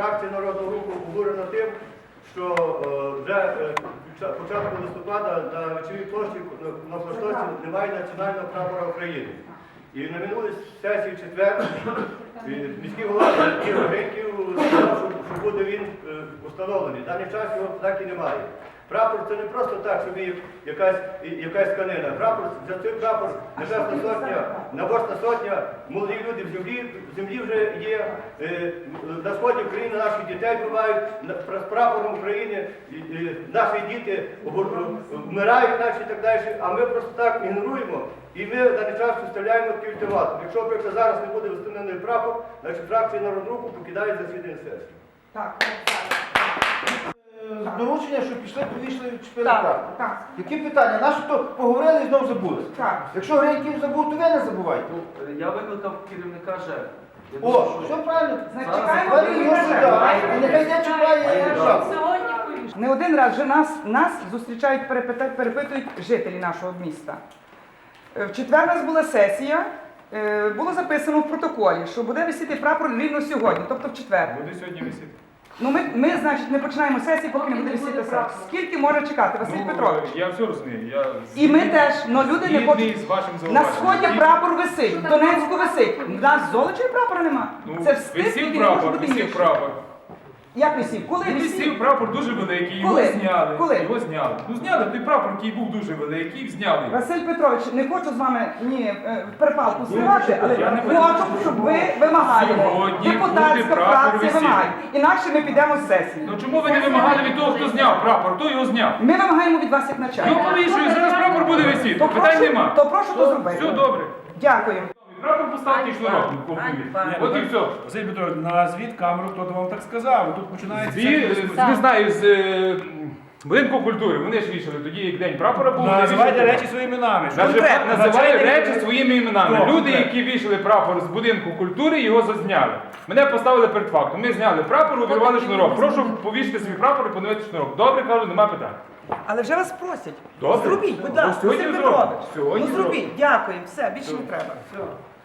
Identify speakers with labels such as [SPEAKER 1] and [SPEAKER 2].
[SPEAKER 1] фракція Народного Руху обурена тим, що вже початку листопада на Вечовій площі на Флаштоці немає національного прапора України. І на минулій сесії в четвер міський голова Ігор Гриньків сказав, що буде він встановлений. В даний час його так і немає. Прапор це не просто так, собі якась тканина. Прапор, за цей прапор Небесна Сотня, Набожна Сотня, молоді люди в землі вже є, на сході України наших дітей бувають, з прапором України наші діти вмирають і так далі, а ми просто так ігноруємо. І ми в даний час виставляємо такий ультиматум. Якщо, наприклад, зараз не буде встановлений прапор, значить фракція Народного Руху покидає засідання сесії.
[SPEAKER 2] Так.
[SPEAKER 3] Доручення, що пішли, повійшли і вчепили прапор.
[SPEAKER 2] Так.
[SPEAKER 3] Які питання? Наші то поговорили і знову забули.
[SPEAKER 2] Так.
[SPEAKER 3] Якщо Гриньків забув, то ви не забувайте.
[SPEAKER 4] Я викликав керівника ЖЕК.
[SPEAKER 3] О, все правильно.
[SPEAKER 2] Значить, чекаємо
[SPEAKER 3] Його сюди. І нехай не чекає шапку.
[SPEAKER 2] Не один раз вже нас зустрічають, перепитують жителі нашого міста. В четвер у нас була сесія, було записано в протоколі, що буде висіти прапор рівно сьогодні, тобто в четвер.
[SPEAKER 5] Буде сьогодні висіти.
[SPEAKER 2] Ну ми, значить, не починаємо сесії, поки не буде висіти прапор. Скільки може чекати, Василь Петрович?
[SPEAKER 5] Я все розумію.
[SPEAKER 2] І ми теж, але люди не хочуть.
[SPEAKER 5] з вашим
[SPEAKER 2] На
[SPEAKER 5] зауваженням.
[SPEAKER 2] сході прапор висить, в Донецьку висить. У нас Золочеві прапора нема. Це встиг,
[SPEAKER 5] Висів
[SPEAKER 2] який не може
[SPEAKER 5] прапор,
[SPEAKER 2] бути
[SPEAKER 5] висів
[SPEAKER 2] гірше.
[SPEAKER 5] прапор.
[SPEAKER 2] Як висів? Коли
[SPEAKER 5] Висів
[SPEAKER 2] висів?
[SPEAKER 5] прапор дуже великий, його
[SPEAKER 2] Коли?
[SPEAKER 5] зняли.
[SPEAKER 2] Коли?
[SPEAKER 5] Його зняли. Ну зняли той прапор, який був дуже великий, зняли.
[SPEAKER 2] Василь Петрович, не хочу з вами перепалку зривати, але
[SPEAKER 5] Я не
[SPEAKER 2] хочу, щоб ви вимагали.
[SPEAKER 5] Сьогодні
[SPEAKER 2] Депутатська
[SPEAKER 5] буде прапор
[SPEAKER 2] фракція
[SPEAKER 5] висіти.
[SPEAKER 2] вимагає. Інакше ми підемо з сесії.
[SPEAKER 5] Ну чому ви не вимагали від того, хто зняв прапор? Хто його зняв?
[SPEAKER 2] Ми вимагаємо від вас як
[SPEAKER 5] Ну
[SPEAKER 2] начальника.
[SPEAKER 5] повішую, зараз прапор буде висіти.
[SPEAKER 2] То
[SPEAKER 5] Питань нема.
[SPEAKER 2] прошу то зробити.
[SPEAKER 5] Все добре.
[SPEAKER 2] Дякую.
[SPEAKER 5] Прапор поставте і шнурок. От і все.
[SPEAKER 6] Василь Петрович, назвіть камеру, хто вам так сказав. Тут починається всякі дискусії.
[SPEAKER 5] Не знаю, з будинку культури. Вони ж вішали тоді, як день прапора був. вони
[SPEAKER 6] Називайте
[SPEAKER 5] вішали.
[SPEAKER 6] речі своїми іменами.
[SPEAKER 5] Називаю речі своїми іменами.
[SPEAKER 6] Хто?
[SPEAKER 5] Люди, які вішали прапор з будинку культури, його зазняли. Мене поставили перед фактом. Ми зняли прапор, увірвали шнурок. Прошу повісити свій прапор і поновити шнурок. Добре, кажу, нема питань.
[SPEAKER 2] Але вже вас просять.
[SPEAKER 5] Добре.
[SPEAKER 2] Зробіть, будь
[SPEAKER 5] Ну,
[SPEAKER 2] ласка,
[SPEAKER 5] сьогодні
[SPEAKER 2] Василь
[SPEAKER 5] зробимо.
[SPEAKER 2] Петрович.
[SPEAKER 5] Сьогодні
[SPEAKER 2] Ну зробіть, дякую, все, більше не треба.
[SPEAKER 5] Все.